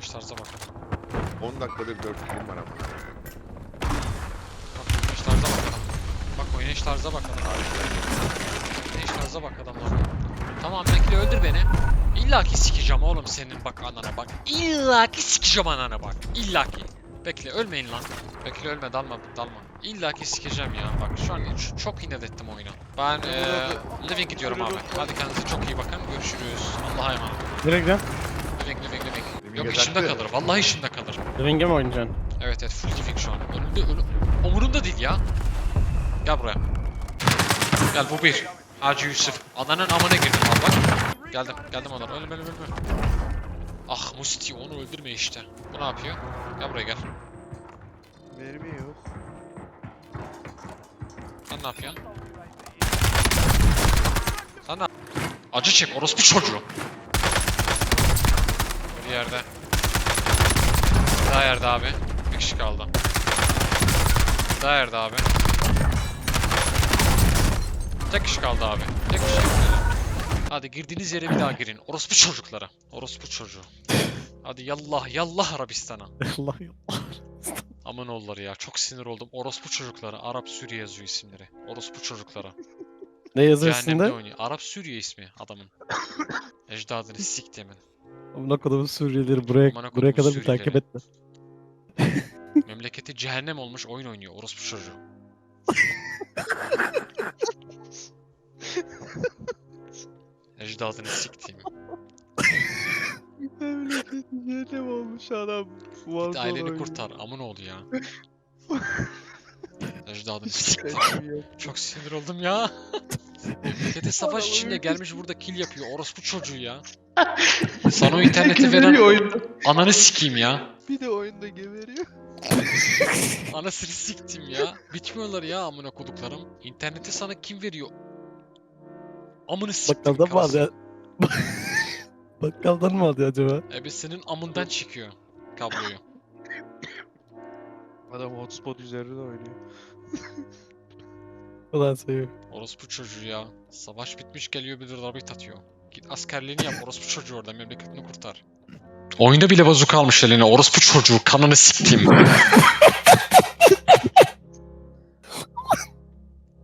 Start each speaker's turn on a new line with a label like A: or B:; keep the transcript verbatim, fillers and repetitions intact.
A: tarzda bakalım.
B: on dakikadır dört film var ama.
A: Bak oynayış tarza bak adam. Bak oynayış tarza bak adam. Oynayış tarza bak adamlar. Tamam bekle öldür beni. İlla ki sikeceğim oğlum senin bak anana bak. İlla ki sikeceğim anana bak. İlla ki. Bekle ölmeyin lan. Bekle ölme dalma dalma. İlla ki sikeceğim ya. Bak şu an ç- çok inat ettim oyunu. Ben eee living gidiyorum abi. Hadi kendinize çok iyi bakın. Görüşürüz. Allah'a emanet.
C: Nereye gidiyorsun?
A: Living living living.
B: Living'e
A: Yok içimde
B: taktı.
A: kalır. Vallahi içimde kalır.
C: Ring'e mi oynayacaksın?
A: Evet evet full living şu an. Önümde önü... Umurumda değil ya. Gel buraya. Gel bu bir. Hacı Yusuf. Adanın amına girdim abi bak. Geldim. Geldim onlar. Ölüm ölüm ölüm. Ah Musti onu öldürme işte. Bu ne yapıyor? Gel buraya gel.
D: Mermi yok.
A: Sen ne yapıyorsun? Sen ne Acı çek orospu çocuğu. Bir yerde. Daha yerde abi. Bir kişi kaldı. Daha yerde abi. Tek kişi kaldı abi. Tek kişi. Hadi girdiğiniz yere bir daha girin. Orospu çocuklara. Orospu çocuğu. Hadi yallah yallah Arabistan'a.
C: Allah Allah.
A: Aman oğulları ya çok sinir oldum. Orospu çocuklara. Arap Suriye yazıyor isimleri. Orospu çocuklara.
C: Ne yazıyor
A: Cehennemde
C: üstünde?
A: oynuyor. Arap Suriye ismi adamın. Ecdadını siktimin.
C: Amına kodumun Suriyelileri buraya
A: Amına
C: buraya
A: kodumun
C: kadar bir takip
A: Suriyelileri.
C: etme.
A: Memleketi cehennem olmuş oyun oynuyor. Orospu çocuğu. Ecdadını siktimin.
D: Memleketi cehennem olmuş adam.
A: Git
D: Vazol
A: aileni
D: oynuyor.
A: kurtar. Amın oğlu ya. Ecdadını siktim.
D: Kaçıyor yok.
A: Çok sinir oldum ya. Memleketi savaş
D: Adamı
A: içinde
D: bir-
A: gelmiş burada kill yapıyor. Orospu çocuğu ya. Sana o interneti
D: Geberiyor
A: veren
D: oyunda.
A: ananı sikeyim ya.
D: Bir de oyunda geberiyor.
A: Anasını siktim ya. Bitmiyorlar ya amına koduklarım. İnterneti sana kim veriyor? Amını siktim.
C: Bakkaldan mı alıyor? Bakkaldan mı alıyor acaba?
A: Ebesinin amından çıkıyor kabloyu.
D: Adam hotspot üzerinde oynuyor.
C: Ulan sayıyor.
A: Orospu çocuğu ya. Savaş bitmiş geliyor bir de rabit atıyor. Git askerliğini yap orospu çocuğu orada memleketini kurtar. Oyunda bile bazuka almış eline orospu çocuğu kanını siktim.